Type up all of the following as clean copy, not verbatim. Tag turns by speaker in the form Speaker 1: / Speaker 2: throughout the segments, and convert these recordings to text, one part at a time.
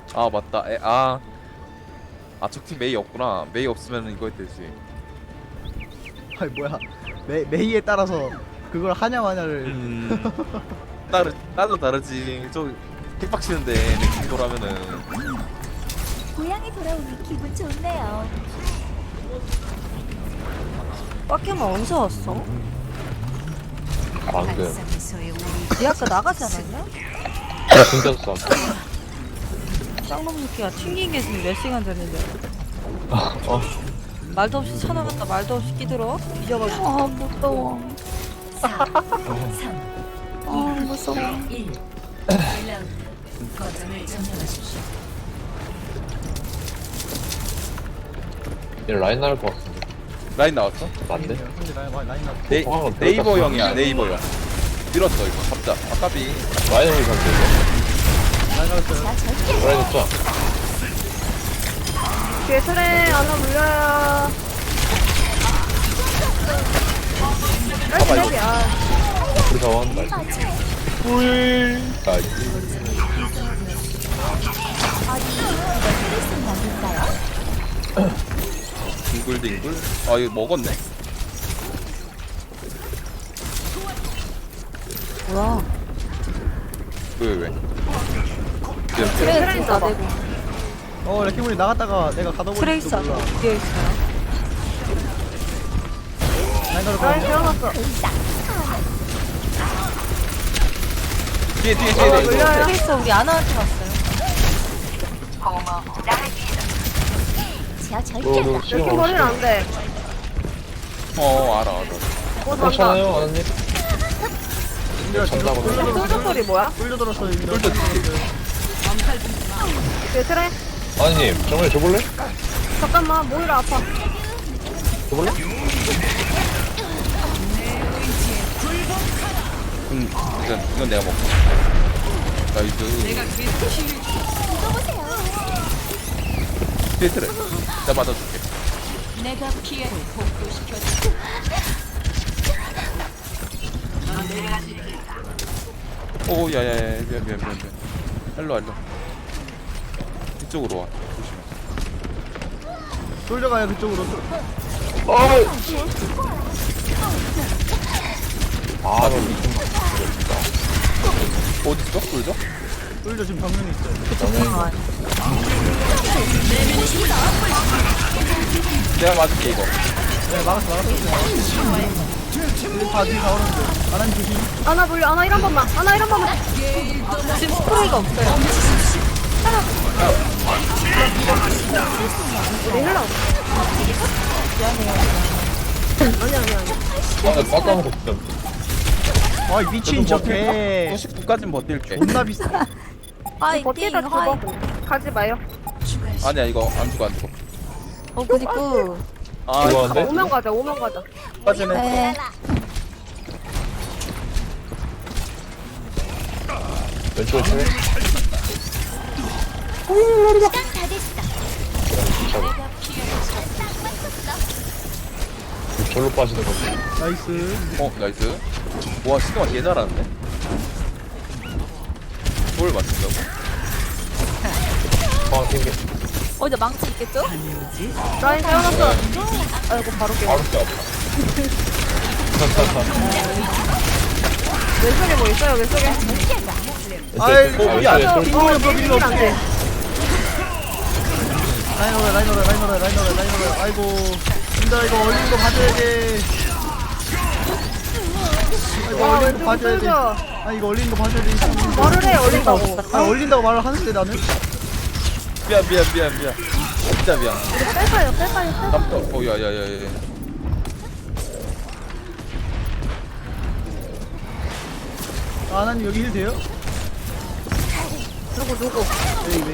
Speaker 1: 아 맞다. 적팀 메이 없구나. 메이 없으면 이거 되지.
Speaker 2: 아니 뭐야 메이에 따라서 그걸 하냐 마냐를
Speaker 1: 따로 다르지. 저 킥박치는데 내 돌아면은
Speaker 3: 고향에 돌아오니 기분 좋네요.
Speaker 4: 빡게만 언제 왔어?
Speaker 5: 방금
Speaker 4: 네 아까 나가지 않았냐?
Speaker 5: 숨겼어.
Speaker 4: 쌍놈 새끼가 튕긴 게 지금 몇 시간 됐는데
Speaker 5: 어.
Speaker 4: 말도 없이 쳐나갔다 말도 없이 끼들어 뒤져가지고
Speaker 3: 아 무서워. 4, 3,
Speaker 4: 아 무서워
Speaker 3: 1. 1라운드. 거점을 점령하십시오.
Speaker 5: 얘 라인 나올 것 같은데.
Speaker 1: 라인 나왔어?
Speaker 5: 맞네.
Speaker 2: 근데 라인 나
Speaker 1: 네이버 형이야. 네이버 형. 밀었어 이거. 잡자. 아까비.
Speaker 5: 라인 형이 상대.
Speaker 2: 라인 나왔어요.
Speaker 3: 나 절대
Speaker 5: 라인 잡자.
Speaker 4: 뒤에 트레 하나 물려요
Speaker 1: 봐봐 이거.
Speaker 5: 우리 자원 나이스. 꿀. 나이스.
Speaker 3: 스트레스 남길까요?
Speaker 1: 뒹굴뒹굴. 아 이거 먹었네.
Speaker 4: 뭐야
Speaker 1: 왜?
Speaker 4: 트레이스 안 되고
Speaker 2: 레키몬이 나갔다가 내가 가둬버릴지도
Speaker 4: 트레이스 안
Speaker 2: 몰라.
Speaker 4: 되고 뒤에 있어요
Speaker 2: 라인 나올
Speaker 4: 태어났어
Speaker 1: 뒤에.
Speaker 4: 물려요 트레이스 우리 아나한테 갔어요
Speaker 3: 제가 절대
Speaker 5: 너 시간 없어.
Speaker 4: 안돼
Speaker 1: 알아.
Speaker 5: 그렇잖아요, 아나님. 잔다고.
Speaker 4: 솔저 소리 뭐야?
Speaker 2: 뚫려 들었어요. 이미.
Speaker 4: 뒤에 트레
Speaker 5: 아나님, 정말 줘볼래?
Speaker 4: 잠깐만 모이라 아파
Speaker 5: 줘볼래?
Speaker 1: 이건 내가 먹고. 나이스. 뒤에 트레. 내가 맞아줄게.
Speaker 3: 내가 피해를 복구시켜줄게.
Speaker 1: 오 야야야 미안. 일로. 이쪽으로 와. 조심해.
Speaker 2: 뚫려가요 그쪽으로.
Speaker 5: 아, 너 미친 거.
Speaker 1: 어디 있어? 꿀죠?
Speaker 2: 뚫려 지금 정면에 있어요.
Speaker 1: 내가 맞을게 이거.
Speaker 2: 네 막았어. 다 뒤에 다 오는데. 아나님 조심.
Speaker 4: 아나 물려 아나 1번만 아나 1번만 지금 스프레이가 없어요 우리 흘러 아니야
Speaker 5: 아, 나 먹고 진짜.
Speaker 2: 아이 미친 저개
Speaker 1: 99까진 버틸게.
Speaker 2: 존나 비싸.
Speaker 3: 화이팅
Speaker 4: 버티다 죽어
Speaker 3: 화이팅.
Speaker 4: 가지 마요
Speaker 1: 아니야 이거 안 죽어.
Speaker 4: 그니까
Speaker 5: 좋아한데?
Speaker 4: 오면 가자
Speaker 1: 빠지네.
Speaker 3: 네.
Speaker 5: 왼쪽에 트레.
Speaker 3: 시간 다 됐어. 내가 피해를 딱 맞췄어.
Speaker 5: 절로 빠지는 거지.
Speaker 2: 나이스.
Speaker 1: 나이스. 와 시그마 개 잘하는데. 뭘 맞춘다고?
Speaker 5: 아, 튕겨.
Speaker 3: 어디 망치 있겠죠?
Speaker 4: 라인 세워놨어 아이고 바로 깨
Speaker 5: 바로 껴.
Speaker 4: 왼쪽에 뭐 있어요 왼쪽에
Speaker 2: 아이 야
Speaker 5: 왼쪽에
Speaker 2: 빙고를 뭐 빌려 없어.
Speaker 4: 안돼
Speaker 2: 라인 오래. 아이고. 진짜 이거 얼린 거 봐줘야 돼. 이거
Speaker 4: 와
Speaker 2: 얼린 거
Speaker 4: 왼쪽에
Speaker 2: 봐줘야 돼.
Speaker 4: 뚫려
Speaker 2: 아 이거 얼린 거 봐줘야 돼.
Speaker 4: 말을 해 올린다고
Speaker 2: 아 얼린다고 말을 하는데 나는.
Speaker 1: 미안. 진짜 미안.
Speaker 4: 뺄까요
Speaker 1: 깜짝. 야야야야.
Speaker 2: 아나님 여기 힐 돼요?
Speaker 4: 누구
Speaker 2: 네.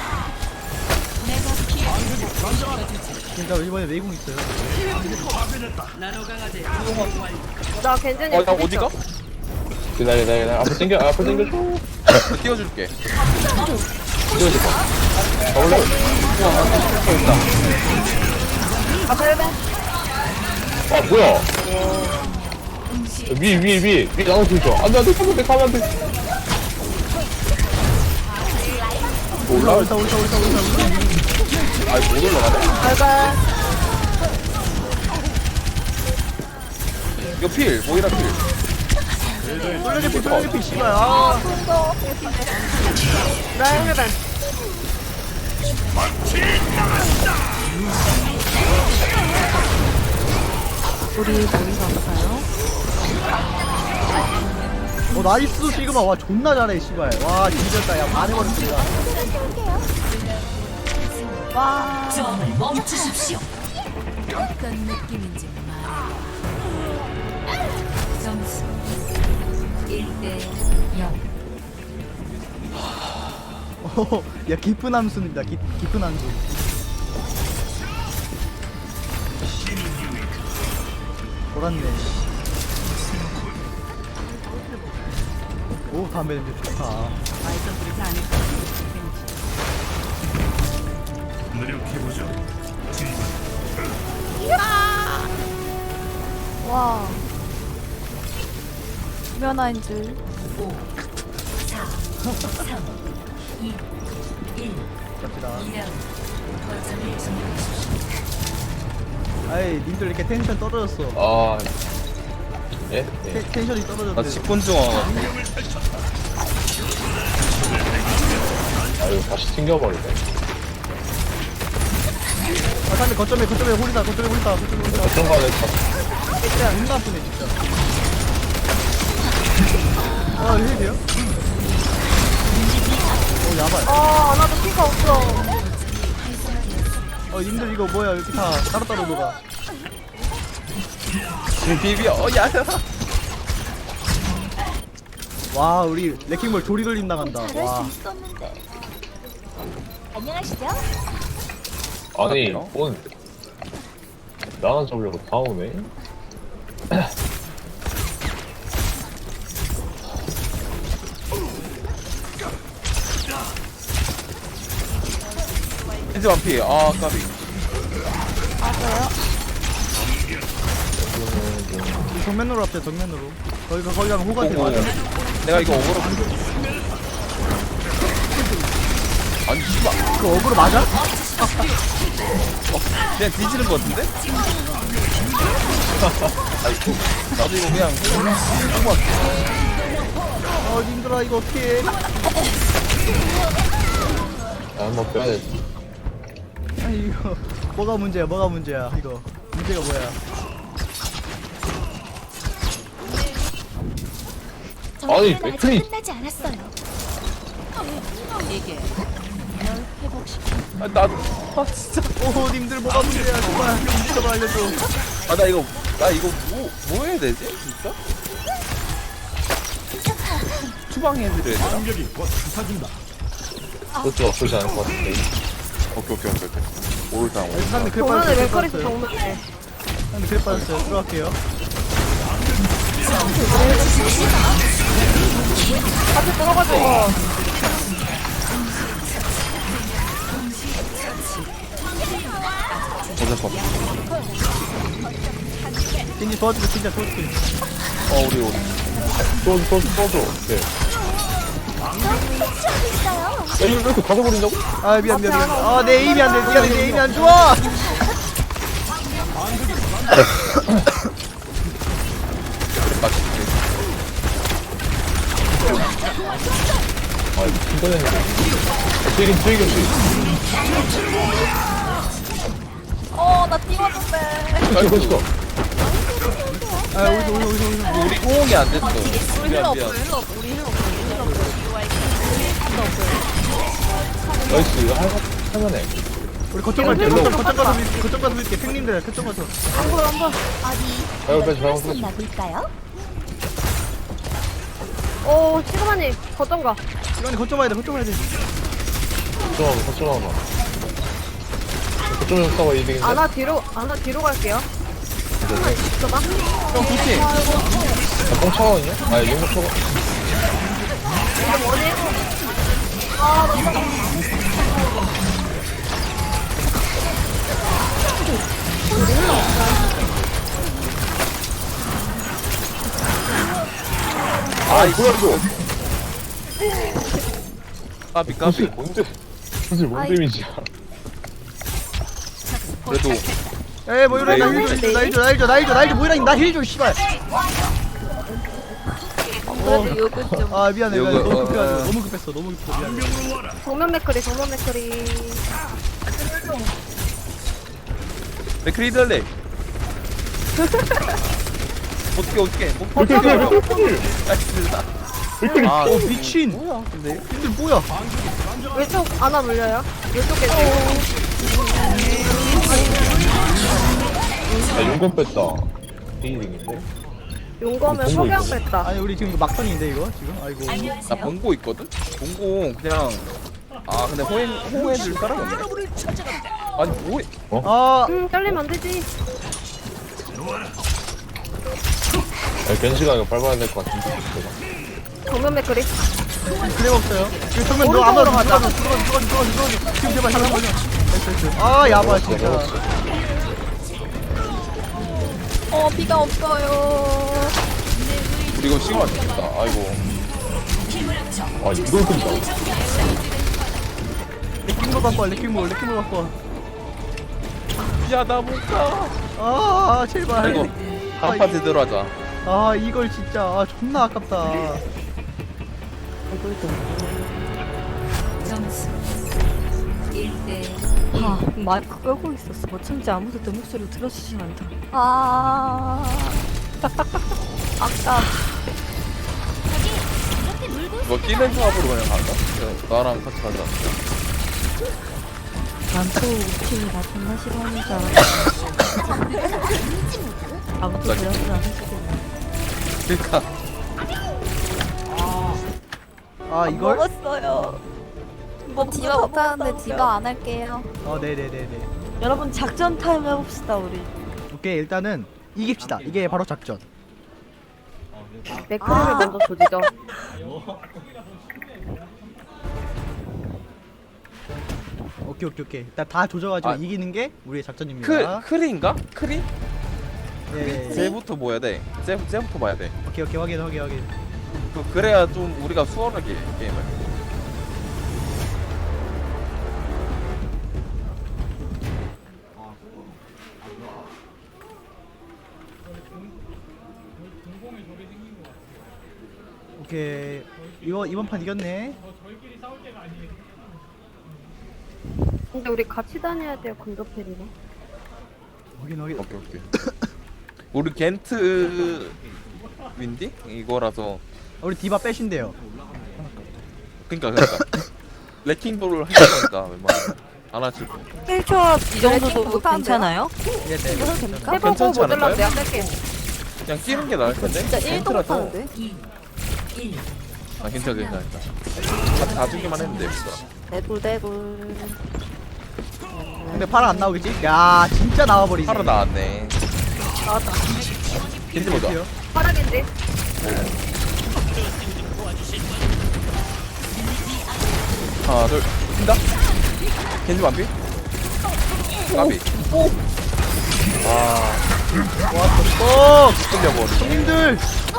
Speaker 2: 그러니까 이번에 메이공 있어요.
Speaker 4: 나 괜찮이
Speaker 1: 나 어디가?
Speaker 5: 기다려. 앞으로 당겨줘.
Speaker 1: 띄워줄게.
Speaker 5: 띄워줄까? 가볼래? 아, 뭐야? 위 나눠 들죠. 안 돼, 가면 안 돼.
Speaker 1: 올라?
Speaker 2: 올라.
Speaker 1: 아니 못 올라가네?
Speaker 4: 알갈.
Speaker 1: 이거 필 모이라 필
Speaker 2: 쏠려개피 씨발. 아
Speaker 4: 라인 헬벤. 우리 머리가 아파요?
Speaker 2: 나이스 시그마. 와 존나 잘해 씨발. 와 뒤졌다. 야 반해버렸습니다.
Speaker 3: 와. 멈추십시오. 어떤 느낌인지 말해. 점수 1대 0.
Speaker 2: 야 깊은 함수입니다. 깊은 함수. 돌았네. 오 담배 냄새 좋다.
Speaker 3: 와. 면허인 줄.
Speaker 2: 갑시다. 아이 님들 이렇게 텐션 떨어졌어.
Speaker 5: 아 예? 예.
Speaker 2: 텐션이
Speaker 1: 나
Speaker 2: 떨어졌대.
Speaker 1: 10분 중 와가지고
Speaker 5: 아유 다시 튕겨버리네.
Speaker 2: 아 근데 거점에 홀이다.
Speaker 5: 어떤 거는
Speaker 2: 진짜 존나 아프네 진짜. 아 이거 돼요? 오 야발.
Speaker 4: 나도 피가 없어.
Speaker 2: 님들 이거 뭐야 이렇게 다 따로따로 녹아.
Speaker 1: 비비어 야
Speaker 2: 와 우리 레킹볼 조리돌림 나간다.
Speaker 3: 잘할
Speaker 2: 와.
Speaker 3: 수 있었는데. 안녕하시죠?
Speaker 5: 아니 뭔 나만 잡으려고 다 오네.
Speaker 1: 이제 완피 아 까비
Speaker 3: 맞아요.
Speaker 2: 정면으로 합시다 정면으로. 거기 가면 호가한테
Speaker 1: 오고.
Speaker 2: 맞아.
Speaker 1: 내가 이거 어그로 아니 씨발
Speaker 2: 그 어그로 맞아?
Speaker 1: 그냥 뒤지는 거 같은데? 아이고 나도 이거 그냥
Speaker 2: 님들아 이거 어떡해.
Speaker 5: 한번 빼야 돼.
Speaker 2: 아니 이거 뭐가 문제야 이거. 문제가 뭐야.
Speaker 5: 아니,
Speaker 3: 정리는 아직
Speaker 5: 맥클이-
Speaker 3: 끝나지 않았어요. 이게 널 회복시켜.
Speaker 1: 아, 나도 진짜
Speaker 2: 오 님들 뭐가 문제야 정말. 좀 알려줘.
Speaker 1: 나 이거 뭐 해야 되지 진짜? 추방해드려야 되나?
Speaker 5: 그것도 나쁘지 않을 것 같은데.
Speaker 1: 오케이 오르당
Speaker 2: 사람들 그래
Speaker 4: 정면에
Speaker 2: 빠졌어요.
Speaker 4: 맥거리스 정면에.
Speaker 2: 사람들 그래 빠졌어요. 들어갈게요.
Speaker 4: 같이 들어가줘 이거.
Speaker 1: 잠깐만
Speaker 2: 겐지 도와줄게 진짜 도와줄게.
Speaker 1: 우리
Speaker 5: 써줘. 네. 야, 이거 왜 이렇게 가져버린다고?
Speaker 2: 아 미안. 내 에임이 안 돼. 미안해 내 에임이 안 좋아.
Speaker 5: 아, 이거 튕겨내는 거. 튀긴.
Speaker 3: 나 뛰었는데.
Speaker 5: 맛있어.
Speaker 2: 아 어디서.
Speaker 1: 우리 호응이 안 됐어 미안
Speaker 5: 나이스, 이거 할만해.
Speaker 2: 우리 거점 갈게. 거점 가서 밀게. 팽님들 거점 가서.
Speaker 5: 발을 빼지, 발을
Speaker 3: 어디
Speaker 5: 빼지.
Speaker 3: 나볼까요?
Speaker 4: 오 시그마님 거점 가.
Speaker 2: 시간이 거점 와야 돼.
Speaker 5: 거점하고. 거점에서 싸워, 이득인데.
Speaker 4: 아나 뒤로 갈게요. 있어봐.
Speaker 1: 형 좋지?
Speaker 5: 뽕 차거든요? 아니, 용도 차고.
Speaker 1: 아
Speaker 5: 뭐야, 이거?
Speaker 1: 까비
Speaker 5: 뭔데? 사실 뭔 데미지야.
Speaker 1: 그래도
Speaker 2: 에이 모이라
Speaker 1: 네,
Speaker 2: 나힐줘 모이라 나 힐줘 씨발.
Speaker 3: 그래도 요거 좀.
Speaker 2: 아 미안해
Speaker 1: 이거,
Speaker 2: 너무 급해가지고 너무 급했어 미안해.
Speaker 4: 정면 맥크리 정면 맥크리.
Speaker 1: 맥크리드 할래. 어떻게 아
Speaker 2: 미친.
Speaker 1: 뭐야 근데
Speaker 2: 근데 뭐야?
Speaker 4: 왼쪽 하나 물려요. 왼쪽에
Speaker 5: 야, 용건 뺐다. 게이딩인데?
Speaker 4: 용검은 석양 뺐다.
Speaker 2: 아니 우리 지금 이거 막판인데 이거 지금 아이고.
Speaker 1: 나 봉고 있거든? 봉고 그냥 아 근데 호해줄 사람이 없네. 아니 뭐해?
Speaker 2: 아
Speaker 4: 잘리면 안 되지.
Speaker 5: 야, 겐시가 이거 밟아야 될 것 같은데.
Speaker 4: 정면 맥크리.
Speaker 2: 그래 없어요. 지금 정면 너 아무나 가자. 들어가. 지금 제발 잠깐만요. 아 야바 진짜.
Speaker 3: 비가 없어요.
Speaker 1: 우리 이거 시간 안 됐다. 아이고.
Speaker 5: 아, 이걸 끈다.
Speaker 2: 레킹볼 갖고 와 레킹볼 갖고 와.
Speaker 1: 야 나 못 가.
Speaker 2: 아 제발.
Speaker 1: 아이고 한 파트 들어가자.
Speaker 2: 아 이걸 진짜 아 존나 아깝다.
Speaker 4: 아 마이크 끄고 있었어. 어쩐지 아무도 내 목소리 들어주지 않다.
Speaker 3: 아까
Speaker 1: 이거 뛰는 조합으로 그냥 갈까? 나랑 같이 가자.
Speaker 4: 난또 팀이 나 존나 싫어하는 줄 알았어. 아무도 대답을 안 해주겠네.
Speaker 1: 그니까
Speaker 2: 아 이걸?
Speaker 3: 먹었어요. 디바 못하는데 디바 안 할게요.
Speaker 2: 네네네네.
Speaker 4: 여러분 작전 타임 해봅시다 우리.
Speaker 2: 오케이 일단은 이깁시다. 이게 바로 작전.
Speaker 4: 맥크리를 먼저 조지죠.
Speaker 2: 오케이. 일단 다 조져가지고
Speaker 1: 아.
Speaker 2: 이기는 게 우리의 작전입니다.
Speaker 1: 크리인가? 크리?
Speaker 2: 네.
Speaker 1: 쟤부터 뭐 해야 돼? 쟤부터 봐야 돼.
Speaker 2: 오케이 확인.
Speaker 1: 그래야 좀 우리가 수월하게 게임을.
Speaker 2: 오케이 이번 판 이겼네.
Speaker 4: 근데 우리 같이 다녀야 돼요. 근접해리네.
Speaker 2: 확인.
Speaker 1: 오케이. 우리 겐트 윈디? 이거라서
Speaker 2: 우리 디바 빼신대요.
Speaker 1: 그러니까 레킹볼을 하니까 웬만하면 안 하실 거.
Speaker 4: 1초 이 정도도
Speaker 3: 못하는데요?
Speaker 4: 괜찮아요?
Speaker 2: 네.
Speaker 3: 됩니까?
Speaker 4: 해보고
Speaker 1: 괜찮지
Speaker 4: 못 들면
Speaker 1: 않을까요?
Speaker 4: 내가 뺄게.
Speaker 1: 그냥 뛰는 게 나을 텐데.
Speaker 3: 진짜 1도
Speaker 1: 겐트라서.
Speaker 3: 못하는데?
Speaker 1: 아 괜찮아. 다 주기만 했는데 여기서.
Speaker 3: 대굴.
Speaker 2: 근데 파라 안 나오겠지? 야 진짜 나와버리네.
Speaker 1: 하루 나왔네.
Speaker 4: 나왔다.
Speaker 1: 겐지 보자.
Speaker 4: 파라겐지.
Speaker 1: 하나 둘 뛴다. 겐지 완비. 까비.
Speaker 2: 와
Speaker 1: 끌려버리.
Speaker 2: 형님들.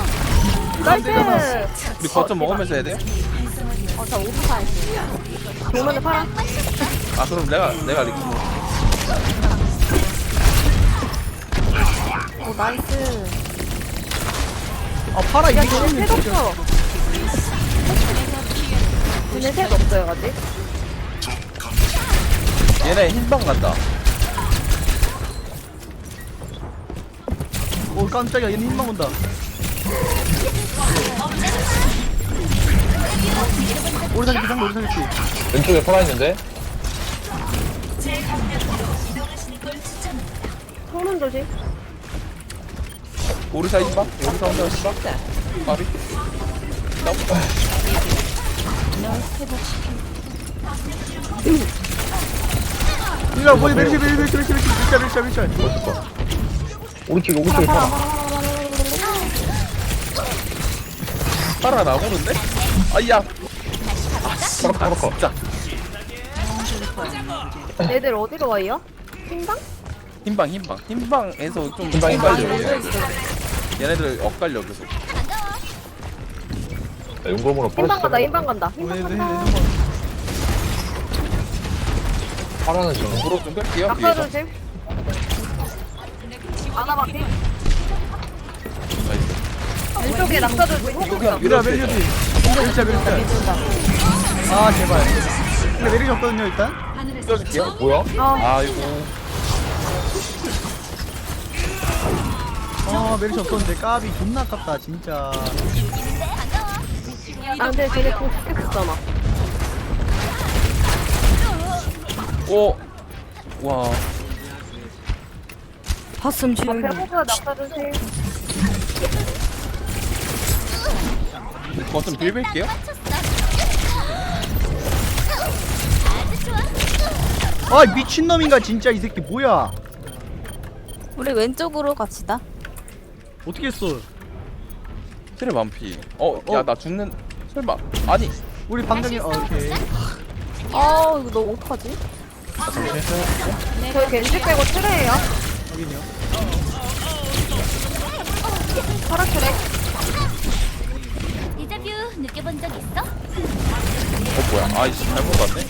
Speaker 4: 나이스.
Speaker 1: 우리 거점 먹으면서 해야 돼?
Speaker 3: 저 5분 했어요.
Speaker 4: 정면에 파라.
Speaker 1: 아 그럼 내가 리킹.
Speaker 3: 오 나이스.
Speaker 2: 아 파라
Speaker 4: 야,
Speaker 2: 이기고
Speaker 4: 쟤네 색 없어. 쟤네 색 없어요, 아직.
Speaker 1: 얘네 흰방 간다.
Speaker 2: 오 깜짝이야 얘는 힘만 온다. 오른쪽 기상 오른쪽 기.
Speaker 5: 왼쪽에 살아있는데?
Speaker 4: 성능 조심.
Speaker 1: 오리사 흰방? 오리사 혼자 흰방? 까비.
Speaker 2: 일로 와 밀자.
Speaker 5: 멋있다. 오른쪽에 살아.
Speaker 1: 팔아 나오는데? 아야.
Speaker 5: 파라.
Speaker 1: 진짜.
Speaker 4: 얘들 어디로 와요? 흰방?
Speaker 1: 흰방에서 좀
Speaker 5: 흰방.
Speaker 1: 엇갈려. 얘네들 엇갈려 계속.
Speaker 5: 야, 용검으로
Speaker 4: 흰방 간다,
Speaker 5: 파라.
Speaker 4: 흰방 간다. 흰방 간다.
Speaker 5: 파라는 지금.
Speaker 1: 도로 좀 끌게요.
Speaker 6: 낙서
Speaker 1: 뒤에서.
Speaker 6: 조심. 아나바티.
Speaker 1: 나이스.
Speaker 6: 왼쪽에 낙서 조심.
Speaker 1: 이거 그냥
Speaker 2: 미라
Speaker 1: 밀어도
Speaker 2: 메리지
Speaker 1: 되죠?
Speaker 2: 메리지 아 제발 근데 메리지 없거든요 일단
Speaker 1: 밀어줄게요.
Speaker 5: 뭐야?
Speaker 1: 아이고.
Speaker 2: 아 메리지 없었는데 까비 존나 아깝다 진짜
Speaker 6: 아 근데 쟤네 공 죽겠었잖아.
Speaker 1: 오. 와.
Speaker 4: 봤음 주영이.
Speaker 6: 배고파 낙서 조심.
Speaker 1: 거좀 빌빌게요.
Speaker 2: 아 미친놈인가 진짜 이 새끼 뭐야
Speaker 3: 우리 왼쪽으로 갑시다.
Speaker 2: 어떻게 했어
Speaker 1: 트레 만피. 야 나 죽는. 설마. 아니.
Speaker 2: 우리 방정이 오케이
Speaker 3: 아 이거 너 어떡하지?
Speaker 6: 저희 겐지 빼고 트레예요.
Speaker 2: 확인이요
Speaker 6: 파라 트레.
Speaker 7: 데자뷰 느껴본 적 있어?
Speaker 1: 뭐야. 아이씨 잘못 봤네.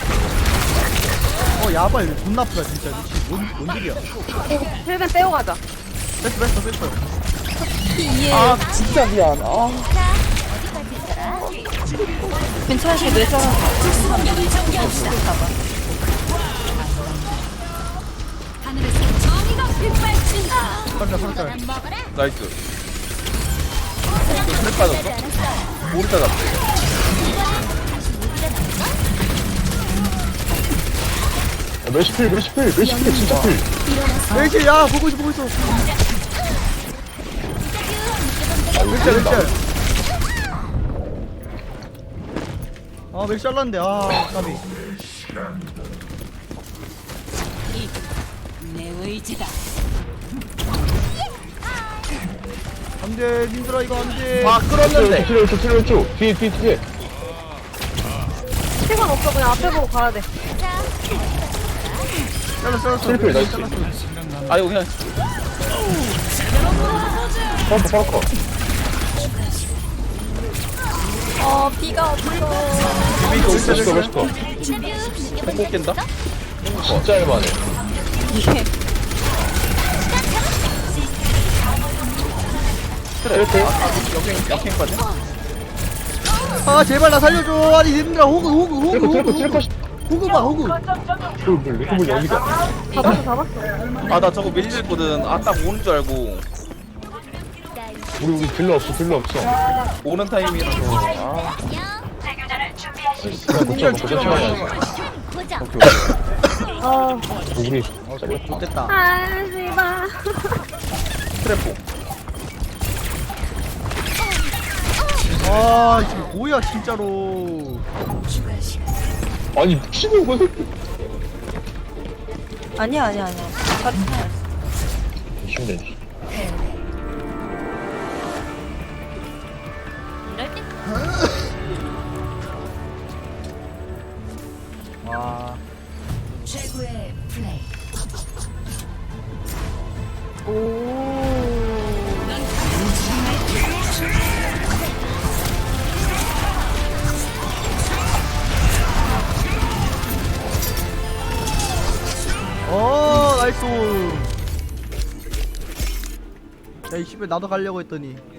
Speaker 2: 야발 이거 존나 아프다 진짜 미친 뭔 일이야
Speaker 6: 힐벤 빼고 가자.
Speaker 2: 뺐어
Speaker 1: 아 진짜 미안. 아.
Speaker 3: 괜찮으시 왜 저러나?
Speaker 7: 하늘에서 정의가 빗발친다.
Speaker 2: 팔자
Speaker 1: 나이스. 트레 빠졌어? 모르다 잡대.
Speaker 5: 메시필 진짜 필.
Speaker 2: 메리지 야 보고 있어 메리지 아 메리지 잘랐는데 아 까비
Speaker 7: 내 의지다.
Speaker 2: 안돼 님들아 이거 안돼
Speaker 1: 아 끌었는데.
Speaker 5: 왼쪽. 뒤에.
Speaker 6: 시간 없어. 그냥 앞에 보고 가야 돼.
Speaker 2: 잘랐어
Speaker 5: 트리플 나이스.
Speaker 1: 아 이거 그냥.
Speaker 5: 파라커.
Speaker 3: 비가 없어.
Speaker 5: 메시커.
Speaker 1: 못 깬다.
Speaker 5: 진짜 할만해.
Speaker 1: 트레. 역행까지.
Speaker 2: 아 제발 나 살려줘 아니 님들아 호그
Speaker 5: 트리커.
Speaker 2: 호그 봐 호그
Speaker 5: 뭐 여기다.
Speaker 6: 잡았어.
Speaker 1: 아 나 저거 밀리거든. 아 딱 오는 줄 알고.
Speaker 5: 우리 딜러 없어.
Speaker 1: 오는 타임이라서. 아.
Speaker 5: 그냥 못 잡고 천천히 하자.
Speaker 7: 고정.
Speaker 5: 우리 잘렸다.
Speaker 2: 됐다
Speaker 6: 하지마.
Speaker 1: 트래포.
Speaker 2: 아 이거 뭐야 진짜로
Speaker 5: 아니 미친놈 거 새끼.
Speaker 3: 아니야.
Speaker 5: 미친네.
Speaker 7: 이럴 때
Speaker 2: 와
Speaker 7: 최고의 플레이.
Speaker 2: 나이스 야이 씨발 나도 가려고 했더니